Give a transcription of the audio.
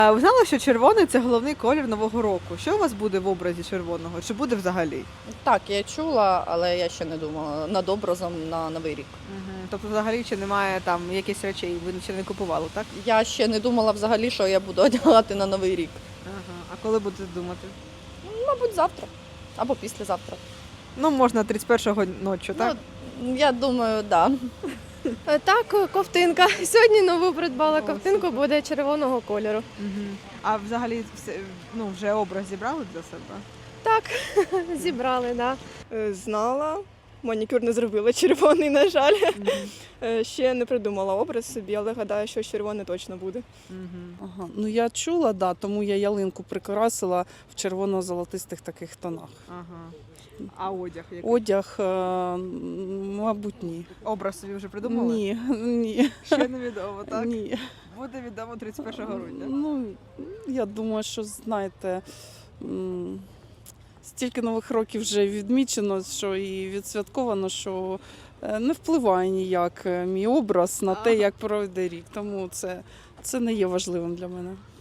А ви знали, що червоний це головний колір Нового року? Що у вас буде в образі червоного? Чи буде взагалі? Так, я чула, але я ще не думала над образом на Новий рік. Тобто взагалі чи немає там якихось речей, ви ще не купували, так? Я ще не думала взагалі, що я буду одягати на Новий рік. Ага. А коли будете думати? Мабуть, завтра або післязавтра. Ну, можна 31-го ночі, так? Ну, я думаю, так. Да. Так, ковтинка. Сьогодні нову придбала О, ковтинку, супер. буде червоного кольору. А взагалі вже образ зібрали для себе? Так, зібрали, так. Знала. Манікюр не зробила червоний, на жаль. Ще не придумала образ собі, але гадаю, що червоний точно буде. Ага. Ну я чула, да, тому я ялинку прикрасила в червоно-золотистих таких тонах. Ага. А одяг який? Одяг, мабуть, ні. Образ собі вже придумали? Ні. Ще невідомо, так? Ні. Буде відомо 31 грудня. Ну, я думаю, що знаєте, стільки нових років вже відмічено, що і відсвятковано, що не впливає ніяк мій образ на те, як пройде рік. Тому це не є важливим для мене.